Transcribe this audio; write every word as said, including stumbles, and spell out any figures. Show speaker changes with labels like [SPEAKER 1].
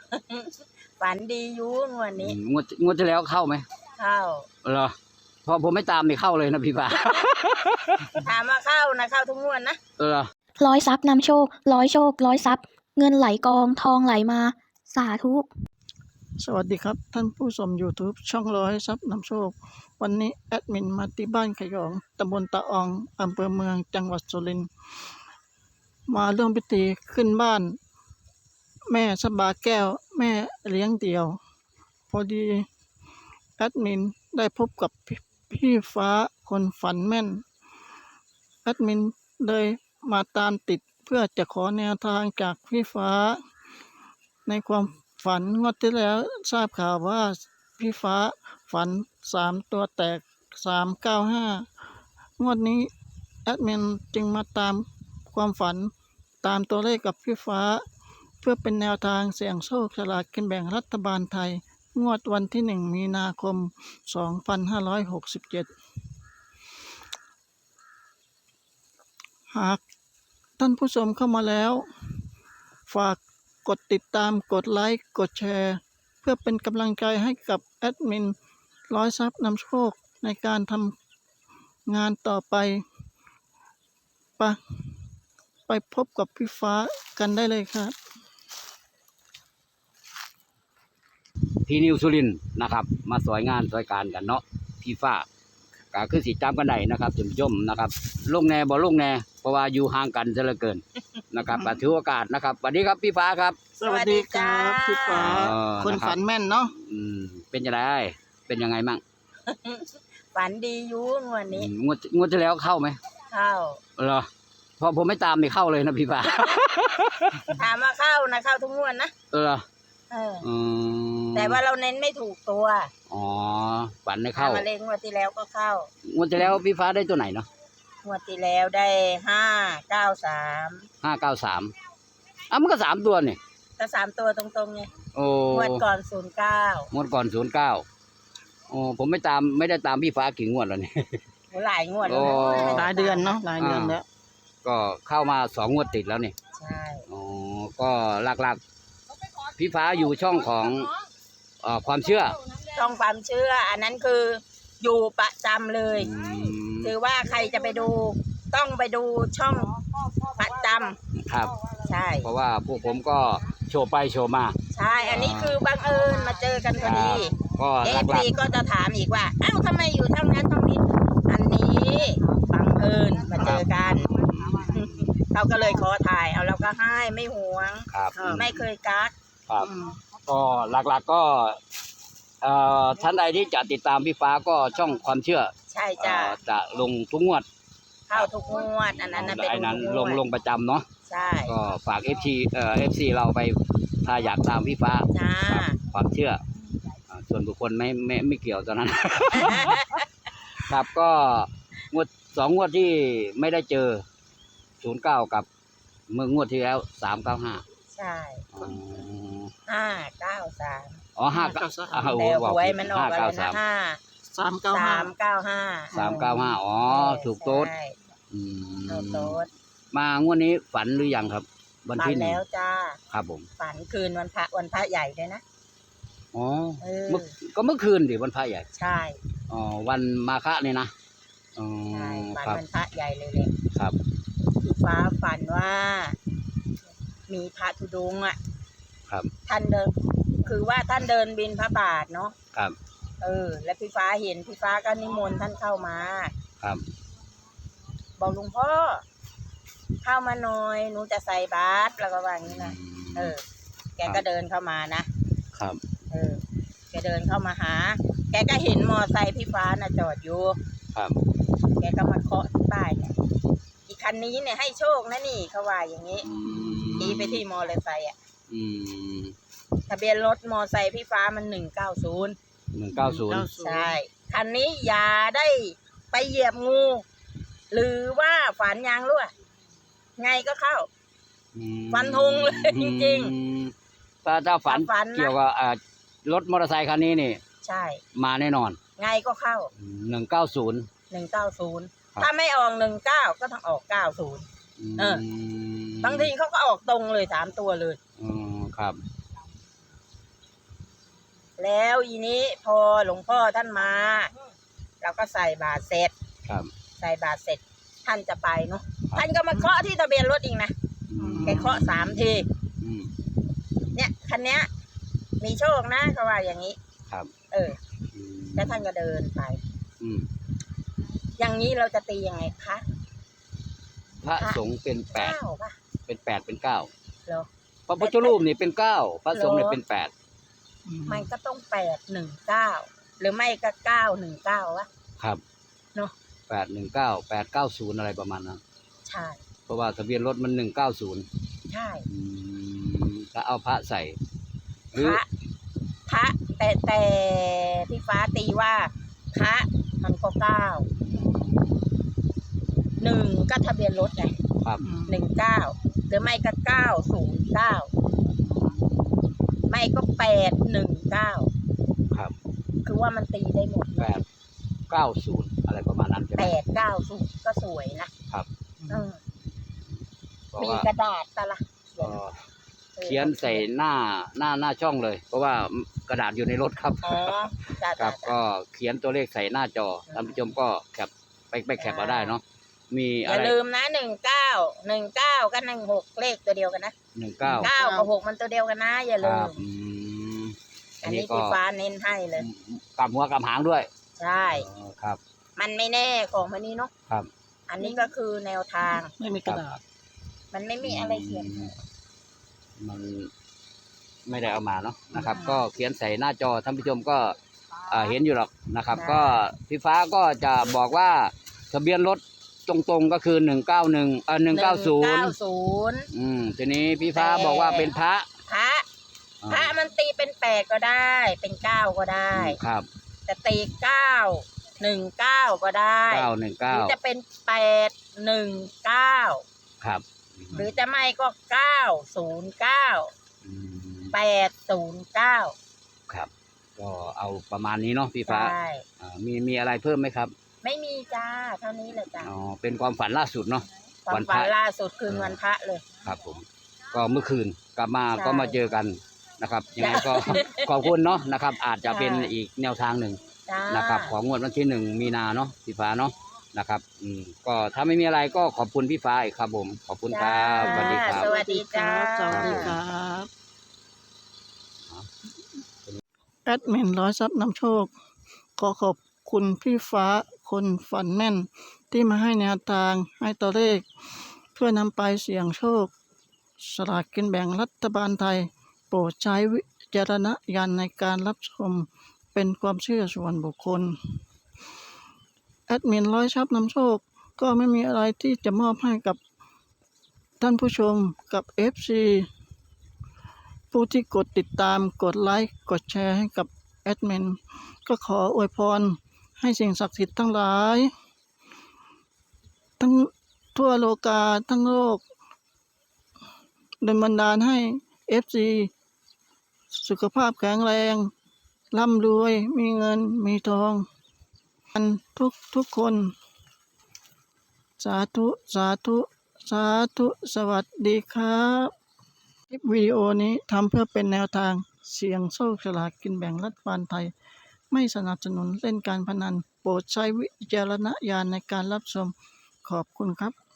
[SPEAKER 1] ฝันดีอยู่งวดนี้
[SPEAKER 2] งวดงวดที่แล้วเข้าไหม
[SPEAKER 1] เข้า
[SPEAKER 2] เหรอพอผมไม่ตามไม่เข้าเลยนะพี่ฟ้า
[SPEAKER 1] ถามว่าเข้านะเข้าทุกงวดนะ
[SPEAKER 2] เออ
[SPEAKER 3] ร้อยทรัพย์นำโชคร้อยโชคร้อยทรัพย์เงินไหลกองทองไหลมาสาธุ
[SPEAKER 4] สวัสดีครับท่านผู้ชม YouTube ช่องร้อยทรัพย์นำโชควันนี้แอดมินมาที่บ้านขยองตำบลตะอองอำเภอเมืองจังหวัดสุรินทร์มาร่วมพิธีขึ้นบ้านแม่สบาแก้วแม่เลี้ยงเดี่ยวพอดีแอดมินได้พบกับพี่ฟ้าคนฝันแม่นแอดมินเลยมาตามติดเพื่อจะขอแนวทางจากพี่ฟ้าในความฝันงวดที่แล้วทราบข่าวว่าพี่ฟ้าฝันสามตัวแตกสามเก้าห้างวดนี้แอดมินจึงมาตามความฝันตามตัวเลขกับพี่ฟ้าเพื่อเป็นแนวทางเสี่ยงโชคฉลากกินแบ่งรัฐบาลไทยงวดวันที่หนึ่งมีนาคมสองพันห้าร้อยหกสิบเจ็ดหากท่านผู้ชมเข้ามาแล้วฝากกดติดตามกดไลค์กดแชร์เพื่อเป็นกำลังใจให้กับแอดมินร้อยทรัพย์นำโชคในการทำงานต่อไปปะไปพบกับพี่ฟ้ากันได้เลยครับ
[SPEAKER 2] ที่นิวสุรินทร์นะครับมาสวยงานสวยการกันเนาะพี่ฟ้าก็คือสิจำกันได้นะครับท่านผู้ชมนะครับลงแน่บ่ลงแน่เพราะว่าอยู่ห่างกันซะเหลือเกินนะครับถือโอกาสนะครับสวัสดีครับพี่ฟ้าครับ
[SPEAKER 4] สวัสดีครับพี่ฟ้าคนฝันแม่นเนาะ
[SPEAKER 2] อืมเป็นยังไงเป็นยังไงมั่ง
[SPEAKER 1] ฝันดีอยู่งวดนี้
[SPEAKER 2] งวดงวดที่แล้วเข้าไหม
[SPEAKER 1] เข้า
[SPEAKER 2] เหรอพอผมไม่ตามไม่เข้าเลยนะพี่ฟ้า
[SPEAKER 1] ถามว่าเข้านะเข้าทุกงวดนะ
[SPEAKER 2] เออ
[SPEAKER 1] เออแต่ว่าเราเน้นไม่ถูกตัว
[SPEAKER 2] อ๋อฝันไม่เข้า
[SPEAKER 1] มาเลงงวดที่แล้วก็เข้าง
[SPEAKER 2] วดที่แล้วพี่ฟ้าได้ตัวไหนเนาะ
[SPEAKER 1] งวดที่แล้วได้ห้าเก้าสาม
[SPEAKER 2] ห้าเก้าสามอ่ะมันก็สามตัวนี่
[SPEAKER 1] ก็สามตัวตรงๆไง
[SPEAKER 2] โอ้
[SPEAKER 1] งวดก่อนศูนย์เก้าง
[SPEAKER 2] วดก่อนศูนย์เก้าโอ้ผมไม่ตามไม่ได้ตามพี่ฟ้ากี่งวดแล้วนี่
[SPEAKER 1] หลายงวดแล้ว
[SPEAKER 4] หลายเดือนเนาะหลายเดือนแล้ว
[SPEAKER 2] ก็เข้ามาสองงวดติดแล้วนี่
[SPEAKER 1] ใช่
[SPEAKER 2] อ๋อก็หลักๆพี่ฟ้าอยู่ช่องของเอ่อความเชื่อ
[SPEAKER 1] ช่องความเชื่ออันนั้นคืออยู่ประจำเลยคือว่าใครจะไปดูต้องไปดูช่องประจ
[SPEAKER 2] ำครับ
[SPEAKER 1] ใช่
[SPEAKER 2] เพราะว่าพวกผมก็โชว์ไปโชว์มา
[SPEAKER 1] ใช่อันนี้คือบังเอิญมาเจอกันพอดี
[SPEAKER 2] ก็
[SPEAKER 1] เอฟซีก็จะถามอีกว่าอ้าวทำไมอยู่ช่องนั้นช่องนี้อันนี้บังเอิญมาเจอกันเราก็เลยขอถ่ายเอาเราก็ให้ไม่หวงไม่เคยกัก
[SPEAKER 2] ครับก็หลักๆก็เอ่อท่านใดที่จะติดตามพี่ฟ้าก็ช่องความเชื่อ
[SPEAKER 1] ใช่จ้ะ
[SPEAKER 2] จะลงทุกงวด
[SPEAKER 1] เข้าทุกงวดอันนั้นเป็น
[SPEAKER 2] อันนั้นลงลงประจำเนาะ
[SPEAKER 1] ใช่
[SPEAKER 2] ก็ฝากเอฟซีเอ่อเอฟซีเราไปถ้าอยากตามพี่ฟ้าความเชื่อส่วนบุคคลไม่ไม่ไม่เกี่ยวตอนนั้นครับก็งวดสองงวดที่ไม่ได้เจอศูนย์เก้ากับเมื่องวดที่แล้วสามเก้าห้า
[SPEAKER 1] ใช่ห้าเก้าสาม
[SPEAKER 2] อ๋อห้าเก้าสาม
[SPEAKER 1] แต่หวยมันออกอะไรนะห้า
[SPEAKER 4] สามเก้าห้า
[SPEAKER 1] สามเก้าห้า
[SPEAKER 2] สามเก้าห้าอ๋อถูกโต๊ด
[SPEAKER 1] อืมโต๊ด
[SPEAKER 2] มางวดนี้ฝันหรือยังครับวันที่หนึ่ง
[SPEAKER 1] แล้วจ้า
[SPEAKER 2] ครับผม
[SPEAKER 1] ฝันคืนวันพระวันพระใหญ่เลยนะ
[SPEAKER 2] อ๋อเมื่อก็เมื่อคืนดิวันพระใหญ่
[SPEAKER 1] ใช่
[SPEAKER 2] อ๋อวันมาฆะนี่นะ
[SPEAKER 1] อ๋อฝันวันพระใหญ่เลยเลย
[SPEAKER 2] ครับ
[SPEAKER 1] พี่ฟ้าฝันว่ามีพระธุดงค์อ่ะ
[SPEAKER 2] ครับ
[SPEAKER 1] ท่านเดินคือว่าท่านเดินบิณฑบาตเนาะ
[SPEAKER 2] ครับ
[SPEAKER 1] เออแล้วพี่ฟ้าเห็นพี่ฟ้าก็นิมนต์ท่านเข้ามา
[SPEAKER 2] ครับ
[SPEAKER 1] บอกหลวงพ่อเข้ามาหน่อยหนูจะใส่บาตรแล้วก็ว่าอย่างนี้นะเออแกก็เดินเข้ามานะครับเออแกเดินเข้ามาหาแกก็เห็นมอไซค์พี่ฟ้าน่ะจอดอยู่
[SPEAKER 2] ครับ
[SPEAKER 1] แกก็มาเคาะที่ป้ายเนี่ยอีกคันนี้เนี่ยให้โชคนะนี่เขาว่าอย่างนี้ชี้ไปที่มอเตอร์ไซค์อ่ะทะเบียนรถมอไซค์พี่ฟ้ามันหนึ่งเก้าศูนย์
[SPEAKER 2] หนึ่งเก้าศูนย์
[SPEAKER 1] ใช่คันนี้อย่าได้ไปเหยียบงูหรือว่าฝันยางรั่วไงก็เข้าฟันธงเลยจริง
[SPEAKER 2] ๆถ้าถ้าฝันเกี่ยวกับรถมอเตอร์ไซค์คันนี้นี่
[SPEAKER 1] ใช่
[SPEAKER 2] มาแน่นอน
[SPEAKER 1] ไงก็เข้า
[SPEAKER 2] หนึ่งเก้าศูนย์
[SPEAKER 1] หนึ่งเก้าศูนย์ถ้าไม่ออกหนึ่งเก้าก็ต้องออกเก้าศูนย์เออบางทีเขาก็ออกตรงเลยสามตัวเลย
[SPEAKER 2] อืมครับ
[SPEAKER 1] แล้วอีนี้พอหลวงพ่อท่านมาเราก็ใส่บาตรเสร็จ
[SPEAKER 2] ครับ
[SPEAKER 1] ใส่บาตรเสร็จท่านจะไปเนาะท่านก็มาเคาะที่ทะเบียนรถอีกนะ
[SPEAKER 2] อืม
[SPEAKER 1] แกเคาะสามที
[SPEAKER 2] อืม
[SPEAKER 1] เนี่ยคันเนี้ยมีโชคนะเขาว่าอย่างนี้
[SPEAKER 2] ครับ
[SPEAKER 1] เออ
[SPEAKER 2] อืม
[SPEAKER 1] แล้วท่านก็เดินไป
[SPEAKER 2] อืม
[SPEAKER 1] อย่างนี้เราจะตียังไงคะ
[SPEAKER 2] พระสงฆ์เป็นแปด
[SPEAKER 1] เก้าป่ะ
[SPEAKER 2] เป็นแปดเป็นเก้า
[SPEAKER 1] เหรอ
[SPEAKER 2] พระพุทธรูปนี่เป็นเก้าพระสงฆ์เนี่ยเป็นแปด
[SPEAKER 1] มันก็ต้องแปดหนึ่งเก้าหรือไม่ก็เก้าหนึ่งเก้าวะ
[SPEAKER 2] ครับ
[SPEAKER 1] เนาะ
[SPEAKER 2] แปดหนึ่งเก้าแปดเก้าศูนย์อะไรประมาณนั้น
[SPEAKER 1] ใช่
[SPEAKER 2] เพราะว่าทะเบียนรถมันหนึ่งเก้าศูนย์
[SPEAKER 1] ใช่
[SPEAKER 2] แล้วเอาพระใส่ห
[SPEAKER 1] พ
[SPEAKER 2] รือ
[SPEAKER 1] ระพระแต่แต่พี่ฟ้าตีว่าพระมันก็เก้าหนึ่งก็ทะเบียนรถไง
[SPEAKER 2] ครับ
[SPEAKER 1] หนึ่งเก้าหรือไม่ก็เก้าศูนย์เก้าไม่ก็แปดหนึ่งเก้า
[SPEAKER 2] ครับ
[SPEAKER 1] คือว่ามันตีได้หมด
[SPEAKER 2] แปดเก้าศูนย์อะไรประมาณนั้นใช่ไหม
[SPEAKER 1] แปดเก้าศูนย์ก็สวยนะครับ เออ
[SPEAKER 2] เพราะ
[SPEAKER 1] มี
[SPEAKER 2] ว่าก
[SPEAKER 1] ระดาษตะละ
[SPEAKER 2] เอ่อเขียนใส่หน้าหน้าหน้าช่องเลย เพราะว่ากระดาษอยู่ในรถครับ
[SPEAKER 1] อ๋อจ้า
[SPEAKER 2] ครั
[SPEAKER 1] จ้า
[SPEAKER 2] บก็เขียนตัวเลขใส่หน้าจอท่านผู้ชมก็แคปไปไปแคปเอาได้เนาะมี
[SPEAKER 1] อ
[SPEAKER 2] อะ
[SPEAKER 1] ย่า
[SPEAKER 2] ไร
[SPEAKER 1] ลืมนะหนึ่งเก้าหนึ่งเก้ากับหนึ่งหกเลขตัวเดียวกันนะ
[SPEAKER 2] หนึ่งเก้า
[SPEAKER 1] เก้ากับหกมันตัวเดียวกันนะ อย่า
[SPEAKER 2] ค
[SPEAKER 1] ลื
[SPEAKER 2] รั
[SPEAKER 1] ม
[SPEAKER 2] บอืม
[SPEAKER 1] อันนี้พี่ฟ้าเน้นให้เลย
[SPEAKER 2] กลับหัวกลับหางด้วย
[SPEAKER 1] ใช่
[SPEAKER 2] อ๋อครับ
[SPEAKER 1] มันไม่แน่ของมันนี้เนาะ
[SPEAKER 2] ครับ
[SPEAKER 1] อันนี้ก็คือแนวทาง
[SPEAKER 4] ไม่มีกระดาษ
[SPEAKER 1] มันไม่มีอะไรเขียน
[SPEAKER 2] มันไม่ได้เอามาเนาะนะครับ ก็เขียนใส่หน้าจอท่านผู้ชมก็อ่าเห็นอยู่หรอกนะครับ ก็พี่ฟ้าก็จะบอกว่าทะเบียนรถตรงๆก็คือหนึ่งเก้าหนึ่งเออหนึ่งเก้าศูนย์
[SPEAKER 1] ศูนย์
[SPEAKER 2] อืมทีนี้พี่ฟ้าบอกว่าเป็นพระ
[SPEAKER 1] พระพระมันตีเป็นแปดก็ได้ เป็นเก้าก็ได้
[SPEAKER 2] ครับ
[SPEAKER 1] แต่ตีเก้าหนึ่งเก้าก็ได้
[SPEAKER 2] เก้าหนึ่ง
[SPEAKER 1] ห
[SPEAKER 2] เก้า
[SPEAKER 1] รือจะเป็นแปดหนึ่งเก้า
[SPEAKER 2] ครับ
[SPEAKER 1] หรือจะไม่ก็เก้าศูนย์เก้า
[SPEAKER 2] อืม
[SPEAKER 1] แปดศูนย์เก้า
[SPEAKER 2] ครับ ก็เอาประมาณนี้เนาะพี่ฟ้า
[SPEAKER 1] ใช่
[SPEAKER 2] อ่ามีมีอะไรเพิ่มไหมครับ
[SPEAKER 1] ไม่มีจ้าเท่านี้เลยจ้า
[SPEAKER 2] อ๋อเป็นความฝันล่าสุดเนาะ
[SPEAKER 1] ความ
[SPEAKER 2] วันพ
[SPEAKER 1] ฝั
[SPEAKER 2] ระ
[SPEAKER 1] นล่าสุดคือวันพระเลย
[SPEAKER 2] ครับผม ก็เมื่อคืนกลับมา
[SPEAKER 1] ใช่
[SPEAKER 2] ก็มาเจอกันนะครับยังไงก็ ขอบคุณเนาะนะครับ อาจจะเป็น
[SPEAKER 1] ใช่
[SPEAKER 2] อีกแนวทางหนึ่ง
[SPEAKER 1] จ้า
[SPEAKER 2] นะครับของงวดวันที่หนึ่งมีนาเนาะพี่ฟ้าเนาะนะครับอืมก็ถ้าไม่มีอะไรก็ขอบคุณพี่ฟ้าอีกครับผมขอบคุณครับสวัสดีครับ
[SPEAKER 1] สวัสดีจ้า
[SPEAKER 4] สวัสดีครับแอดมินร้อยทรัพย์นำโชค ขอขอบคุณพี่ฟ้าคนฝันแม่น ที่มาให้แนวทางให้ตัวเลข เพื่อนำไปเสี่ยงโชค สลากกินแบ่งรัฐบาลไทย โปรดใช้วิจารณญาณในการรับชมเป็นความเชื่อส่วนบุคคล แอดมินร้อยทรัพย์นำโชค ก็ไม่มีอะไรที่จะมอบให้กับท่านผู้ชมกับ เอฟ ซี ผู้ที่กดติดตามกดไลค์กดแชร์ให้กับแอดมินก็ขออวยพรให้สิ่งศักดิ์สิทธิ์ทั้งหลาย ทั้งทั่วโลกาทั้งโลกดลบันดาลให้ เอฟ ซี สุขภาพแข็งแรงร่ำรวยมีเงินมีทองกันทุกทุกคน สาธุ สาธุ สาธุ สวัสดีครับ คลิปวิดีโอนี้ทำเพื่อเป็นแนวทางเสี่ยงโชคฉลากกินแบ่งรัฐบาลไทย ไม่สนับสนุนเล่นการพนัน โปรดใช้วิจารณญาณในการรับชม ขอบคุณครับ